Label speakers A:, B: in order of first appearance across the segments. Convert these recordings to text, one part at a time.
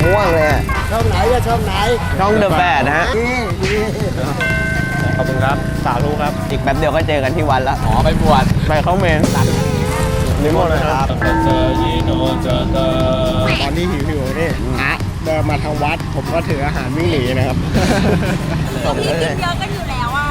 A: ม่วงเลย
B: ช่องไหนก็ช่องไหน
A: ช่องเดอะแบดนะฮะ
C: ขอบคุณครับสาธุครับ
A: อีกแป๊บเดียวก็เจอกันที่วันละ
C: ไปบวช
A: ไปเข้าเมนนิมนต์นะครับ
B: ตอนนี้หิวนี่เดินมาทางวัดผมก็ถืออาหารวิ่งหนีนะครับ
D: ส่งเลยเยอะกันอยู่แล้วอ่ะ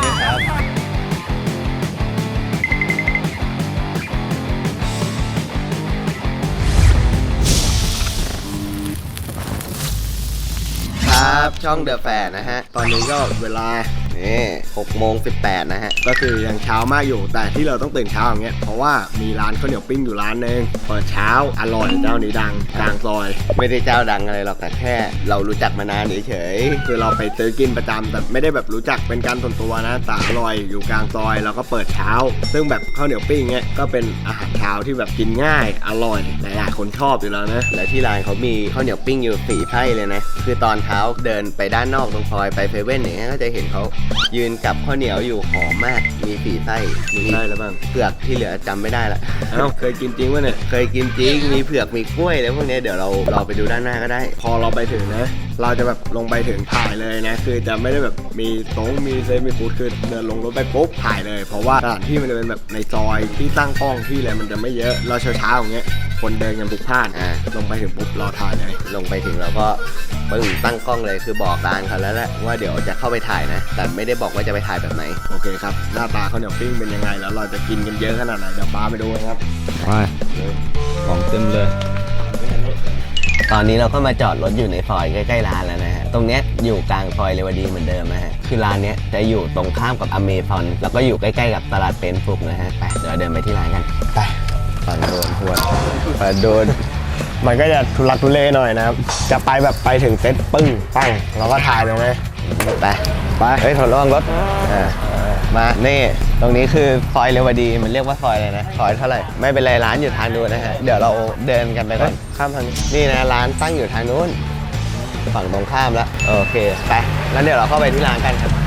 A: ครับช่องเดอะแฟดนะฮะ
B: ตอนนี้ก็เวลา
A: นี่6:18นะฮะ
B: ก็คือยังเช้ามากอยู่แต่ที่เราต้องตื่นเช้าอย่างเงี้ยเพราะว่ามีร้านข้าวเหนียวปิ้งอยู่ร้านนึงเปิดเช้าอร่อยเจ้านี้ดังกลางซอย
A: ไม่ได้เจ้าดังอะไรหรอกแต่แค่เรารู้จักมานานเฉย
B: คือเราไปซื้อกินประจำแต่ไม่ได้แบบรู้จักเป็นการส่วนตัวนะแต่อร่อยอยู่กลางซอยแล้วก็เปิดเช้าซึ่งแบบข้าวเหนียวปิ้งเงี้ยก็เป็นอาหารเช้าที่แบบกินง่ายอร่อยหลายๆคนชอบอยู่แล้วนะ
A: และที่ร้านเขามีข้าวเหนียวปิ้งอยู่4 ไส้เลยนะคือตอนเช้าเดินไปด้านนอกตรงซอยไปเซเว่นอย่างเงี้ยก็จะเห็นเขายืนกับข้าวเหนียวอยู่หอมมากมี4 ไส้
B: มีไส้แล้วบ้าง
A: เผือกที่เหลือจำไม่ได้ละ
B: เคยกินจริงวะเนี่ย
A: เคยกินจริงมีเผือกมีกล้วยแล้วพวกนี้เดี๋ยวเราไปดูด้านหน้าก็ได้
B: พอเราไปถึงนะเราจะแบบลงไปถึงถ่ายเลยนะคือจะไม่ได้แบบมีโต๊ะมีเซฟมีฟู้ดคือเดินลงรถไปปุ๊บถ่ายเลยเพราะว่าสถานที่มันจะเป็นแบบในซอยที่ตั้งกล้องที่อะไรมันจะไม่เยอะเราเช้าๆอย่างเงี้ยคนเดินกันพลุกพล่านลงไปถึงปุ๊บรอถ่ายเลย
A: ลงไปถึงเราก็ปึ้งตั้งกล้องเลยคือบอกร้านเขาแล้วแหละว่าเดี๋ยวจะเข้าไปถ่ายนะแต่ไม่ได้บอกว่าจะไปถ่ายแบบไหน
B: โอเคครับหน้าตาข้าวเหนียวปิ้งเป็นยังไงแล้วเราจะกินกันเยอะขนาดไหนเดี๋ยวป้าไปดูครับ
C: ไปของเต็มเลย
A: ตอนนี้เราก็มาจอดรถอยู่ในซอยใกล้ๆร้านแล้วนะฮะตรงเนี้ยอยู่กลางซอยเรวดีเหมือนเดิมนะฮะคือร้านเนี้ยจะอยู่ตรงข้ามกับอเมซอนแล้วก็อยู่ใกล้ๆกับตลาดเป็นฟลุกนะฮะไปเดี๋ยวเดินไปที่ร้านกันไปตอนโดนหัวโดน
B: มันก็จะทุลักทุเลหน่อยนะครับจะไปแบบไปถึงเซ็ตปึ้งปั้งเราก็ถ่ายเลยไหม
A: ไปเฮ้ยถอดระวังรถมานี่ตรงนี้คือซอยเรวดีมันเรียกว่าซอยอะไรนะซอยเท่าไหร่ไม่เป็นไรร้านอยู่ทางนู้นนะฮะเดี๋ยวเราเดินกันไปก่อนข้ามทางนี่นะร้านตั้งอยู่ทางนู้นฝั่งตรงข้ามแล้วโอเคไปแล้วเดี๋ยวเราเข้าไปที่ร้านกันครับ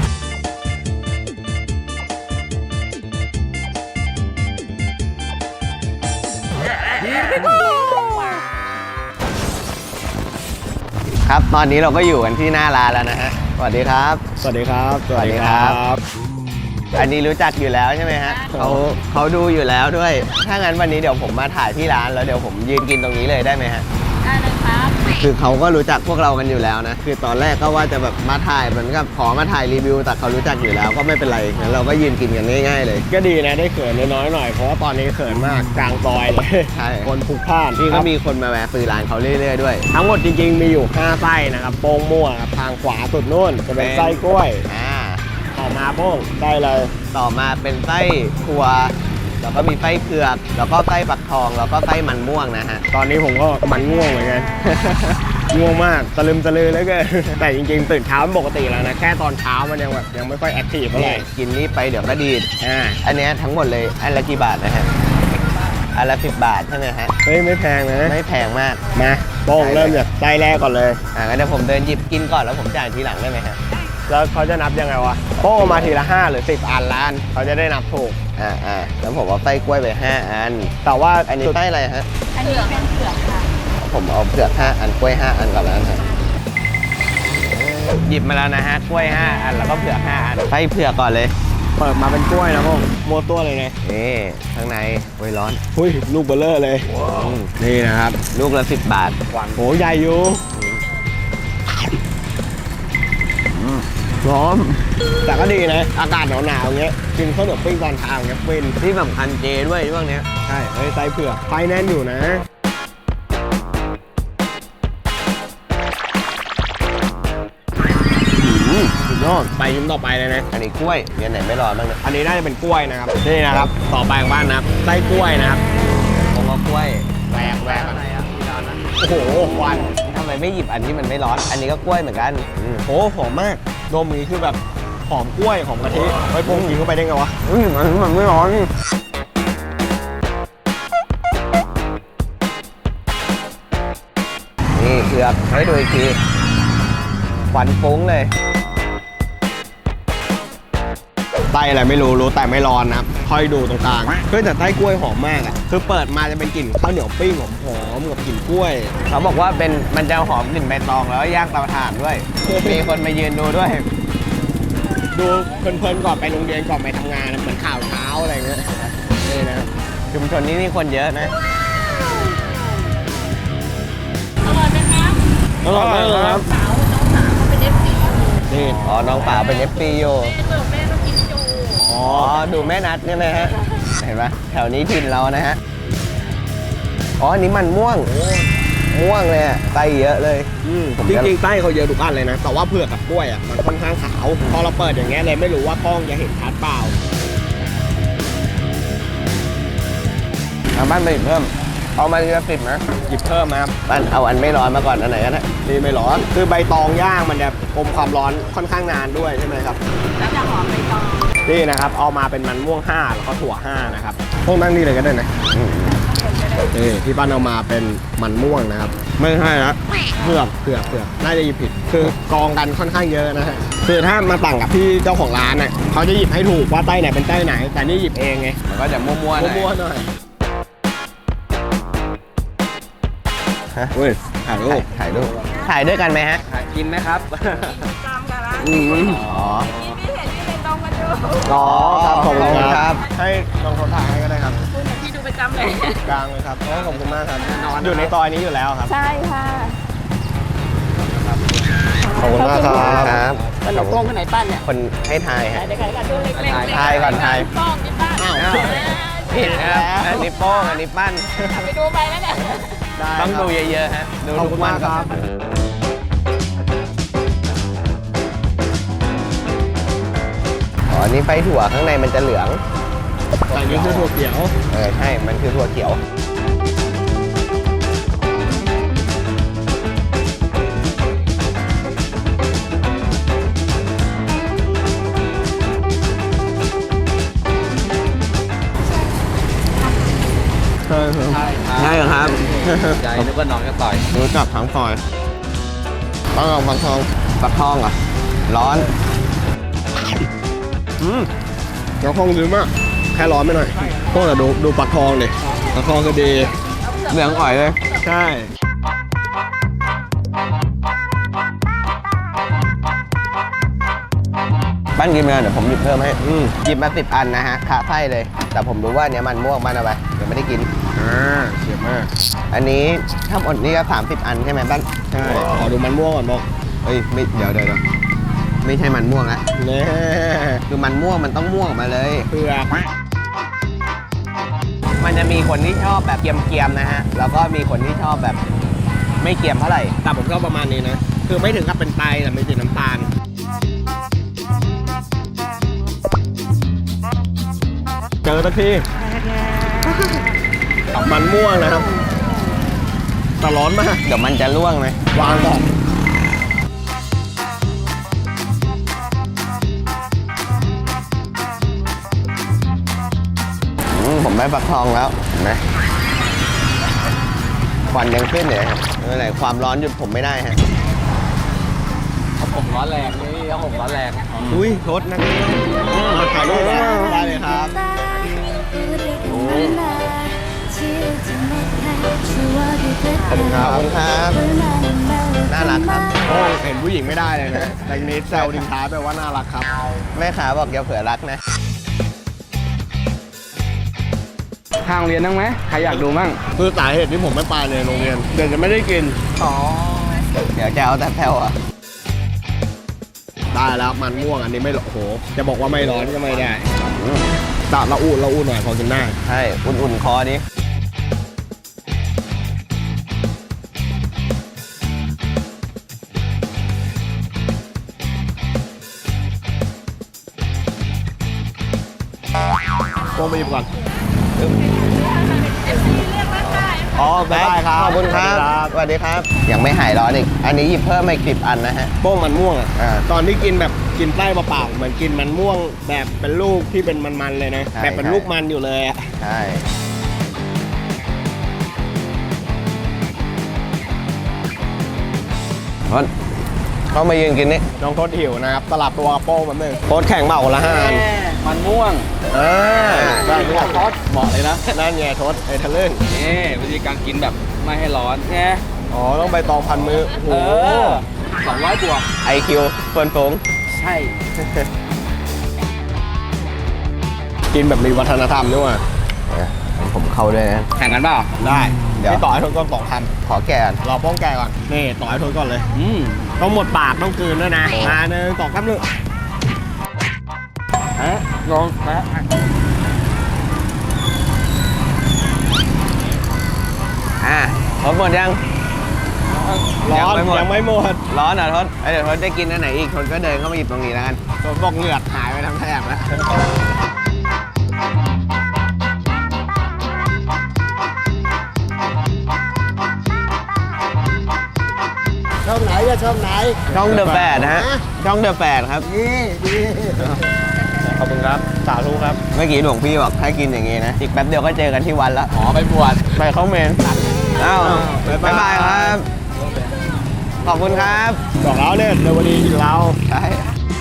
A: ครับตอนนี้เราก็อยู่กันที่หน้าร้านแล้วนะฮะสวัสดีครับ
B: สวัสดีครับ
A: สวัสดีครับอันนี้รู้จักอยู่แล้วใช่ไหมฮะเขาดูอยู่แล้วด้วยถ้างั้นวันนี้เดี๋ยวผมมาถ่ายที่ร้านแล้วเดี๋ยวผมยืนกินตรงนี้เลยได้ไหมฮะ
D: ได้เลยครับ
A: คือเขาก็รู้จักพวกเรากันอยู่แล้วนะคือตอนแรกก็ว่าจะแบบมาถ่ายเหมือนกับขอมาถ่ายรีวิวแต่เขารู้จักอยู่แล้วก็ไม่เป็นไรงั้นเราก็ยืนกินกันง่ายๆเลย
B: ก็ดีนะได้เขินน้อยๆหน่อยเพราะว่าตอนนี้เขินมากกลางซอยเลย
A: ใช่
B: คนพลุกพล่าน
A: นี่ก็มีคนมาแวะซื้อร้านเขาเรื่อยๆด้วย
B: ทั้งหมดจริงๆมีอยู่5 ไส้นะครับโป้งมั่วครับทางขวาสุดนู่นจะเป็นไส้กล้วยต่อมาโป้งได้เลย
A: ต่อมาเป็นไส้ถั่วแล้วก็มีไส้เผือกแล้วก็ไส้ฟักทองแล้วก็ไส้มันม่วงนะฮะ
B: ตอนนี้ผมก็มันง่วงเหมือนกันง่วงมากตะลึมตะลือแล้วก็แต่จริงๆตื่นเช้าปกติแล้วนะแค่ตอนเช้ามันยังแบบยังไม่ค่อยแอคทีฟเท่าไหร่
A: กินนี้ไปเดี๋ยวก็ดีดอันนี้ทั้งหมดเลยอันละกี่บาทนะฮะอันละ10 บาทใช่ไหมฮะ
B: เฮ้ยไม่แพงนะ
A: ไม่แพงมาก
B: มาโป้งเริ่มจากไส้แรกก่อนเลย
A: งั้นเดี๋ยวผมเดินหยิบกินก่อนแล้วผมจ่ายทีหลังได้ไหมฮะ
B: แล้วเขาจะนับยังไงวะโป้มาทีละ5 หรือ 10 อันล้านเขาจะได้นับถูก
A: แล้วผมเอาไส้กล้วยไป5 อัน
B: แต่ว่า
A: อันนี้ไส้อะไรฮะ
D: อันนี้เป็นเผือกค่ะ
A: ผมเอาเผือก5 อันกล้วย5 อันก่อนแล้วนะหยิบมาแล้วนะฮะกล้วย5 อันแล้วก็เผือก5 อันไส้เผือกก่อนเลย
B: เปิดมาเป็นกล้วยนะพวกโมตัวเลยไง
A: นี่ข้างในกล้วยร้อน
B: หุ้ยลูกเบลเลอร์เลยนี่นะครับ
A: ลูกละ10 บาท
B: โหใหญ่อยู่ร้อนแต่ก็ดีนะอากาศหนาวๆอย่างเงี้ยกินข้าวเหนียวปิ้งตอนเช้าอย่างเงี้ยฟิน
A: ที่สำคัญเจด้วยช่วงนี้
B: ใช่เฮ้ยไส้เผือกไฟแน่นอยู่นะสุดยอดไปยิ้มต่อไปเลยนะ
A: อันนี้กล้วยมีอันไหนไม่ร้อนบ้างเนี่ย
B: อันนี้น่าจะเป็นกล้วยนะครับนี่นะครับต่อไปของบ้านนะครับไส้กล้วยนะครับ
A: ผมเอากล้วย
B: แหวกอะไรอ่ะโอ้โหควัน
A: ทำไมไม่หยิบอันที่มันไม่ร้อนอันนี้ก็กล้วยเหมือนกัน
B: โอ้หอมมากดมนี้คือแบบหอมกล้วยหอมกะทิไอ้พวกกินเข้าไปได้ไงวะ
A: มันไม่ร้อนนี่เผือกให้ดูอีกทีควันฟุ้งเลย
B: ไส้ส้อะไรไม่รู้แต่ไม่ร้อนนะครับค่อยดูตรงกลางเฮ้ยแต่ไส้กล้วยหอมมากอ่ะคือเปิดมาจะเป็นกลิ่นข้าวเหนียวปิ้งหอมกับกลิ่นกล้วย
A: เขาบอกว่ามันจะหอมกลิ่นใบตองแล้วย่างเตาถ่านด้วย มีคนมายืนดูด้วย
B: ดูเพลินๆก่อนไปโรงเรียนก่อนไปทำงานนะเหมือนข่าวเช้าอะไรเงี้ยนี่นะ
A: ชุมชนนี้นี่คนเยอะนะ
D: อร่อยไหมครับ
B: อร่อยมากเลยครับ
D: สาวน้องสาวเขาเป็น FC
B: นี่
A: อ๋อ น้องสาวเป็น FP อยู่
D: แม่เติมแม่ต้องกินจู
A: อ๋อ ดูแม่นัดใช่ไหมฮะ เห็นปะแถวนี้ถิ่นเรานะฮะ อ๋อ อันนี้มันม่วง ม่วงเลยอะไส้เยอะเลย ผม
B: จ
A: จะ
B: ริงๆไส้เขาเยอะทุกอันเลยนะ แต่ว่าเผือกกับกล้วยอ่ะมันค่อนข้างขาว พอเราเปิดอย่างเงี้ยเลยไม่รู้ว่ากล้องจะเห็นชัดเปล่า
A: เอาบ้านไปอีกเพิ่ม เอามาทีละ10นะ
B: หยิบเพิ่มนะครับ
A: บ้านเอาอันไม่ร้อนมาก่อนอันไหนก็ได้
B: นี่ไม่ร้อน คือใบตองย่างมันจะอมความร้อนค่อนข้างนานด้วยใช่ไหมครับ
D: แล้วจะหอมใบตอง
B: นี่นะครับเอามาเป็นมันม่วง 5 แล้วก็ถั่ว 5 นะครับพวกนั่งนี่เลยก็ได้นะนี่ที่บ้านเอามาเป็นมันม่วงนะครับ ไม่ใช่นะเผือกน่าจะหยิบผิด คือกองกันค่อนข้างเยอะนะฮะคือถ้ามาต่างกับพี่เจ้าของร้านน่ะเขาจะหยิบให้ถูกว่าไส้ไหนเป็นไส้ไหน แต่นี่หยิบเองไง
A: มันก็จะมั่วๆหน่อย
B: มั่วๆหน่อย
A: ฮะ
B: เว้ยถ่ายรูป
A: ถ่ายรูปถ่ายด้วยกันไหมฮะ
C: กินไหมครับ
D: จำกันละ
A: อ๋อ
D: ที่พี่เห็นที่เป็นตองกันดู
B: อ๋อครับขอบคุณ
A: ขอบคุณ
B: ค
A: ครั
B: รับ บ ให้ลองคนถ่ายให้ก็ได้ครับ
D: คุณเหมือนพี่ดูประจำเลย
B: กลางเลยครับโอ้ขอบคุณมากครับอยู่ในซอยนี้อยู่แล้วครับ
D: ใช่ค่ะ
B: ขอบคุณมากครับ
A: ครับ
D: ขนมโป้งคนไหนปั้นเนี่ย
A: คนให้ทายฮะ
D: เดี๋ยวใครกันดูเล็กๆ
A: ทายก่อนทาย
D: ป้องนี่ปั้น
B: อ้าว
A: ผิดนะครับอันนี้โป้งอันนี้ปั้น
D: ไปดูไปแล้วเนี่ย
B: ได้
A: ต้องดู
B: ครับ
A: เยอะๆฮะ ดู
B: ขอบ
A: ทุ
B: คุ
A: ก
B: ณ
A: วั
B: มาน กครับ
A: อ๋ออันนี้ไส้ถั่วข้างในมันจะเหลือง
B: แต่นี่คือถั่วเขียว
A: ใช่ มันคือถั่วเขียว
B: ใช่ครับ
A: ใช่ครับ
C: ใจนึกว่าน้องจะต่อย
B: รู้จักทั้งซอยต้องลองฟังทอง
A: ปักทองเหรอ ร้อน
B: แล้วทองดีมาก แค่ร้อนไปหน่อยพวกเราดูปักทองดิปักทองก็ดี
A: เหลืองอ่อยเลย
B: ใช่
A: บ้านกินไปแล้วเดี๋ยวผมหยิบเพิ่มให้หยิบมา10 อันนะฮะขาไส้เลย แต่ผมรู้ว่าเนี้ยมันม่วงบ้านเอาไปเดี๋ยวไม่ได้กิน
B: เสียมาก
A: อันนี้ถ้าหมดนี่ก็30 อันใช่ไหมบ้าน
B: ใช่ ขอดูมันม่วงก่อนบอก
A: เอ้ยไม่เดี๋ยวไม่ใช่มันม่วงละ
B: เน่
A: คือมันม่วงมันต้องม่วงออกมาเลย
B: เผือก
A: มันจะมีคนที่ชอบแบบเกรียมๆนะฮะ แล้วก็มีคนที่ชอบแบบไม่เกรียมเท่าไหร่
B: แต่ผมชอบประมาณนี้นะ คือไม่ถึงกับเป็นไตแต่ไม่ติดน้ำตาล เจอสักทีมันม่วงนะครับแต่ร้อนมาก
A: เดี๋ยวมันจะร่วงไหม
B: วางก่อน
A: ผมได้ปักทองแล้วเห็นไหมควันยังขึ้นเลยครับไม่เป็นไรความร้อนหยุดผมไม่ได้ฮะ
C: ผมร้อนแรงนี่เอาผมร้อนแรง
B: อุ้ยรถนะถ่ายรูปนะได้เลยครับ
A: ขอบคุณครับ น่ารักครับ
B: โอ้เห็นผู้หญิงไม่ได้เลยนะแต่ทีนี้แซวทิ้งท้ายไปว่าน่ารักครับ
A: แม่ค้าบอกอย่าเผื่อรักนะ
C: ทางเรียนนั่งไหมใครอยากดูมั่ง
B: คือสาเหตุที่ผมไม่ไปเลยโรงเรียนเดี๋ยวจะไม่ได้กิน
A: เดี๋ยวจะเอาแต่แผ่วอ่ะ
B: ได้แล้วมันม่วงอันนี้ไม่โอ้โห จะบอกว่าไม่ร้อนก็ไม่ได้แต่ละอุ่นหน่อยพอกินได้
A: ใช่ อุ่นๆคอดิ
B: โป้งไปหยิบก่อน
D: FC เรียกว่าได้
B: อ๋อได้ครับ
A: ขอบคุณครับ สวัสดีครับ ยังไม่หายร้อนอีก อันนี้หยิบเพิ่มมาอีก10 อันนะฮะ
B: โป้งมันม่วงอ่ะ
A: อ่า
B: ตอนที่กินแบบกินไส้เปล่าๆเหมือนกินมันม่วงแบบเป็นลูกที่เป็นมันๆเลยนะ
A: ใช่
B: แบบเป็นลูกมันอยู่เลยอ่ะ
A: ใช่ร้อนเข้ามายืนกินนี่
B: น้องโทษหิวนะครับสลับตัวกับโป้งแบบนึงโทษแข่งเมาคนละ5 อัน
C: มันม่วง
B: ได้ไม่ได้
C: ทอดเหมาะเลยนะ
B: นั่นไงทศไอ้ทะลึ่ง
C: นี่วิธีการกินแบบไม่ให้ร้อนไง
B: อ๋อต้องใบตองพันมือโอ้
C: เอ
B: โห
C: อ200 บวก
A: IQ เฟิร์นฟง
C: ใช่
B: กินแบบมีวัฒนธรรมด้วยว่ะ
A: ผมเข้าด้วยนะ
C: แข่งกันเปล่า
B: ได้
A: เดี๋ยว
B: พี่ต่อให้ทศก่อน2,000
A: ขอแก่อน
B: เราป้องแกก่อนนี่ต่อให้ทศก่อนเลย
C: อืม
B: ต้องหมดปากต้องกลืนด้วยนะมาหนึ่งสองสามหนึ่ง
C: ฮะลองแปะ
A: ครบหมดยัง
B: ร้อน
A: ยังไม่หมด
B: ยังไม่หมด
A: ร้อนเหรอทศเดี๋ยวทศได้กินอันไหนอีกทศก็เดินเข้ามาหยิบตรงนี้แล้วกัน
B: ทศบอกเหงือกหายไปทั้งแถบแล้วช่องไหนจะช่องไหน
A: ช่องเดอะแปดนะฮะ ช่องเดอะแปดครับ
B: นี่ดีขอบคุณครับสาธุครับ
A: เมื่อกี้หลวงพี่บอกให้กินอย่างงี้นะ อีกแป๊บเดียวก็เจอกันที่วันละ
C: อ๋อไปบวช
A: ไปเข้าเมนอ้าว
B: บ๊ายบาย
A: บ๊ายบายครับ ขอบคุณครับ
B: บอกแล้วเนี่ยเรวดีกินเรา
A: ใช่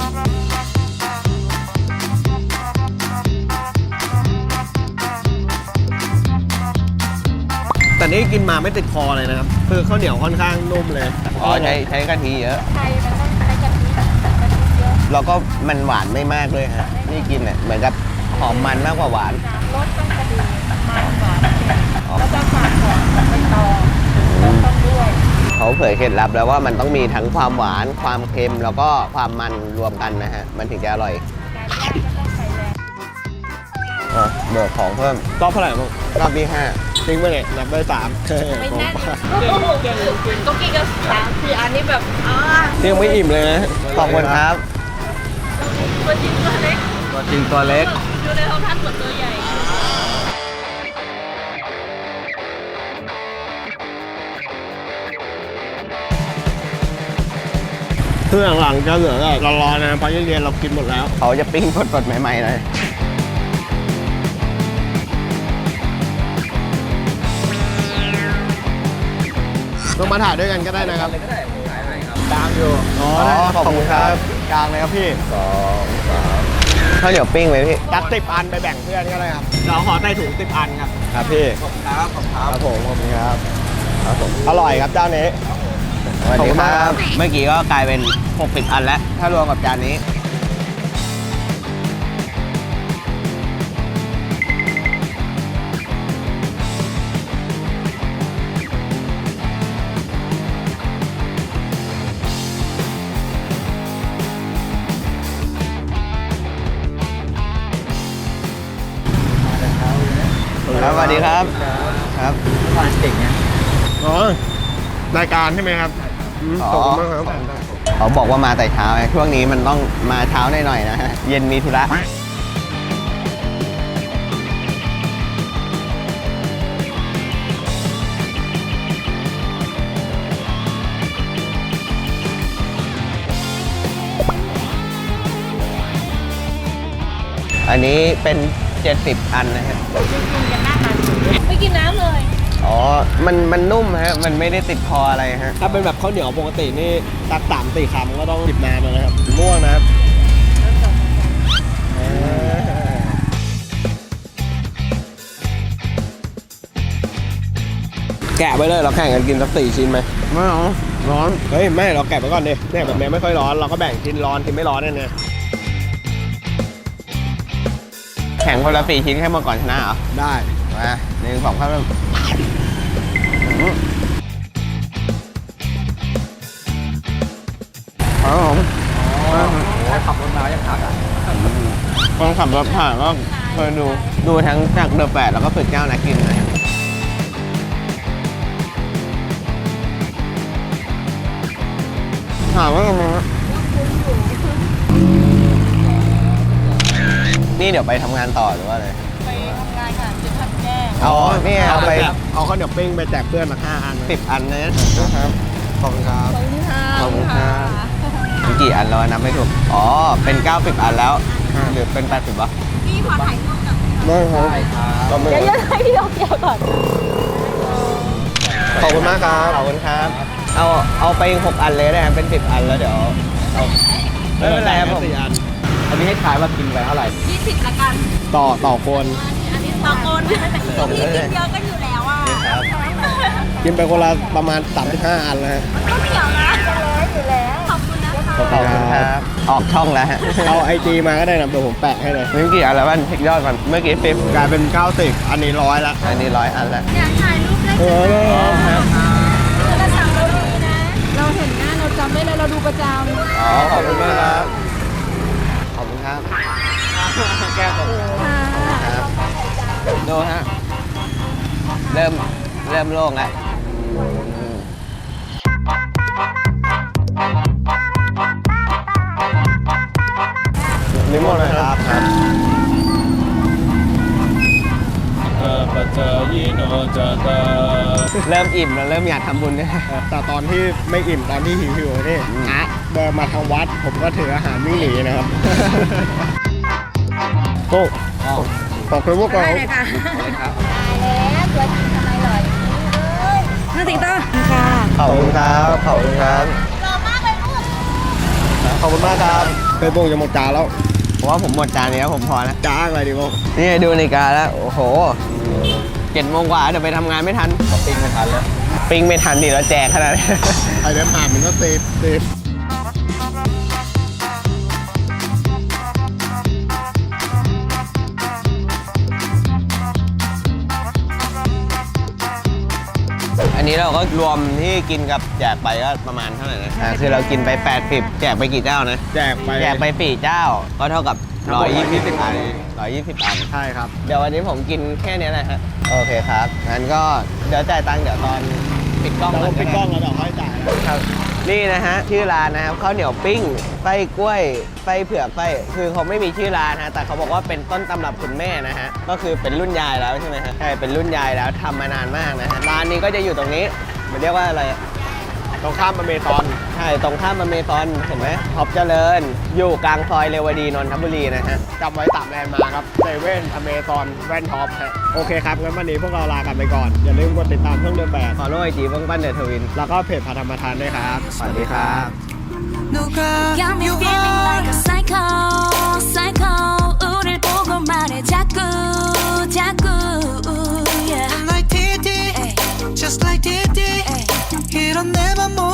B: แต่นี่กินมาไม่ติดคอเลยนะครับคือข้าวเหนียวค่อนข้างนุ่มเลย
A: อ๋อใช้กะทิเยอะ
D: ไทยมันต้องใช้กะทิเยอะ
A: แล้วก็มันหวานไม่มากด้วยฮะ นี่กินเนี่ยเหมือนกับหอมมันมากกว่าหวาน
D: รสต้องกระดีมันหวานเค็มแล้วก็ฝากของใบตองต้องด้วย
A: เขาเผยเคล็ดลับแล้วว่ามันต้องมีทั้งความหวาน ความเค็ม แล้วก็ความมันรวมกันนะฮะ มันถึงจะอร่อย
D: การย่างก็ต้องใส่แรง
A: เบิกของเพิ่ม
B: รอบเท่าไหร่บ้าง
A: รอบที่ห้า
B: ทิ้งไปเนี่ยนับได้3
D: ไม่แน่นเก่งก็กินกัน3-4 อันนี้แบบ
B: ยังไม่อิ่มเลยนะ
A: ขอบคุณครับ
D: ตัวจริงตัวเล็ก
C: ตัวจริงตัวเล็ก
D: อยู่ในห้องท่านเหมือนตัวใหญ่
B: เครื่องหลังจะเหลือก็ร้อนๆนะเพราะเย็นๆเรากินหมดแล้ว
A: เขาจะปิ้งสดๆใหม่ๆเลย
B: ต้องมาถ่ายด้วยกันก็ได้นะครับ
C: ก็ได้ผมขายให้ครับ
B: ตามอยู่อ๋อ
A: อ๋อ
B: ได้
A: ขอบคุณครับ
B: กลางเลยครับพี่
A: ข้าวเหนียวปิ้งไหมพี่
B: จัด10 อันไปแบ่งเพื่อนก็ได้ครับเราขอใส่ถุง10 อันครับครับพี่
C: ขอบคุณครับขอบคุณค
B: ค
C: รั
B: รั
C: บบ
B: ผมขอบคุณครับอร่อยครับเจ้านี้
A: สวัส
B: ขอบ
A: ดี
B: คุณ
A: ค
B: มาก
A: รั
B: ครับ บ
A: เมื่อกี้ก็กลายเป็น 60 อันแล้ว ถ้ารวมกับจานนี้ ครับสวัสดีครับ ครับ
C: ผ่านเก่งเนี่ย
B: อ๋อรายการใช่ไหมครับขอบคุณมากครับ
A: เขาบอกว่ามาแต่เช้าไงช่วงนี้มันต้องมาเช้าหน่อยๆนะฮะ เย็นมีธุระ อันนี้เป็น 70 อันนะฮะ
D: กินกันหน้าตาไม่กินน้ำเลย
A: อ๋อ มันนุ่มฮะ มันไม่ได้ติดคออะไรฮะ
B: ถ้าเป็นแบบข้าวเหนียวปกตินี่ตัก3-4 คำก็ต้องจิบน้ำแล้วนะครับม่วงนะครับแกะไว้เลยเราแข่งกันกินสัก4 ชิ้นไหม
A: ไม่เอาร้อน
B: เฮ้ยไม่เราแกะไว้ก่อนดิเนี่ยแบบนี้ไม่ค่อยร้อนเราก็แบ่งชิ้นร้อนชิ้นไม่ร้อนเนี่ยนะ
A: แข่งคนละ4 ชิ้นแค่มาก่อนชนะเหรอ
B: ได้
A: มา1 2 3 ครับผม
C: ขับรถมายังขาดอ่ะ
A: คนขับรถผ่านก็เคยดูทั้งจากเดอะแปดแล้วก็ฝึกเจ้านักกินนะถามว่าทำไมวะนี่เดี๋ยวไปทำงานต่อหรือว่าอะไร
D: ไปทำงานค่ะจะทำแก้ง
A: อ๋อนี่เอาไป
B: เอาข้าวเหนียวปิ้งไปแจกเพื่อนมา5 อัน
A: 10 อันนะครับ
B: ขอบคุณครับ
D: ขอบคุณค่ะ
A: ขอบคุณครับ มีกี่อันแล้วนับไม่ถูก อ๋อ เป็น 90 อันแล้ว หรือเป็น 80วะ
D: พี่ขอถ่ายรูปกับ
B: ได้ครับ
C: ใช่ครับ
B: ก็ไม่
D: เดี๋ยวให้พี่ลองเดียวก่อน
B: ขอบคุณมากครับ
A: ขอบคุณครับ เอาไป6 อันเลยได้ไหมเป็น 10 อันแล้วเดี๋ยวเอาไม่เป็นไรครับผม
B: 4 อัน
C: ตอนนี้ให้ทายว่ากินไปเท่าไหร่
D: 20ละกัน
B: ต่อคน
D: อันนี้ต่อคนก็มีกินเยอะก็อยู่แล้วอ่ะ
B: กินไปคนละประมาณ35อันแล้วฮะ
D: ก็เหนียวนะจะร้อยอยู่แล้ว ขอบคุณนะคะ
A: ขอบคุณครับ ออกช่องแล้วฮะ
B: เอา IG มาก็ได้นะเดี๋ยวผมแปะให้เลย
A: เมื่อกี้อะไรบ้างเช็คยอดก่อน เมื่อกี้ฟิป
B: กลายเป็น90อันนี้100ละ
A: อันนี้100 อันแล้ว
D: อยากถ่ายรูปได้
B: เออ
A: ครับ
D: จะสั่งเราดีนะ เราเห็นหน้าเราจำได้เลยเราดูประจำ
A: อ๋อ ขอบคุณมากครับ ขอบคุณครับ แก้วขอบคุณครับดูฮะ เริ่มโล่งแล้วนิมนต์นะครับ เริ่มอิ่มแล้วเริ่มอยากทำบุญเนี่ย
B: แต่ตอนที่ไม่อิ่มตอนที่หิวๆนี่อะเดินมาทางวัด ผมก็ถืออาหารวิ่งหนีนะครับ โอ้ขอบคุณพวกเรา
D: ได้เลยค่ะ
A: ครับ
D: ตายแล้วตัวจริงทำไมหล่ออย่างนี้เอ้ยน่าติดต่อค่ะ
A: ขอบคุณครับ ขอบคุณครับ
D: หล่อมากเลยลูก
A: ขอบคุณมากครับ
B: เคยโบงจะหมดจานแล้ว
A: ผมว่าผมหมดจานนี้แล้วผมพอแล้ว
B: จ้างอะไรดีโบง
A: นี่ดูนาฬิกาแล้ว โอ้โห7 โมงกว่าเดี๋ยวไปทำงานไม่ทัน
C: ปิ้งไม่ทันแล้ว
A: ปิ้งไม่ทันดิเราแจกขนาดนี้
B: ใครเดินผ่านมันก็เซฟ
A: อันนี้เราก็รวมที่กินกับแจกไปก็ประมาณเท่าไหร่นะคือเรากินไป80แจกไปกี่เจ้านะ
B: แจกไป
A: แจกไป4เจ้า ก็เท่ากับ120 อัน120 อัน
B: ใช่ครับ
A: เดี๋ยววันนี้ผมกินแค่นี้แหละฮะ โอเคครับ งั้นก็เดี๋ยวจ่ายตังค์เดี๋ยวตอนปิดกล้อง
B: แล้ว
A: ก่อน
B: ปิดกล้องแล้วเดี๋ยวค่อยจ่าย
A: ครับ นี่นะฮะชื่อร้านนะครับข้าวเหนียวปิ้งไส้กล้วยไส้เผือกไส้คือเขาไม่มีชื่อร้านฮะแต่เขาบอกว่าเป็นต้นตำรับคุณแม่นะฮะก็คือเป็นรุ่นยายแล้วใช่ไหมฮะใช่เป็นรุ่นยายแล้วทำมานานมากนะฮะร้านนี้ก็จะอยู่ตรงนี้มันเรียกว่าอะไรอะ
B: ตรงข้ามอเมซอน
A: ใช่ตรงข้ามอเมซอนเห็นไหมท็อปเจริญ อยู่กลางซอยเรวดีนนทบุรีนะฮะ
B: จำไว้3แลนด์มาร์คครับเซเว่นอเมซอนแว่นท็อปฮะโอเคครับงั้นวันนี้พวกเราลากันไปก่อน อย่าลืมกดติดตามช่องเดินแบบ
A: ฟอลโล่ไอจีเบื้องปั้นเดอะทวิน
B: แล้วก็เพจพาธรรมทานด้วยครับ
A: สวัสดีครับ
E: Got me feeling like a psycho, psycho. 우릴 보고 말해 자꾸, 자꾸. Yeah.
F: like TT, just like TT. 이런 내맘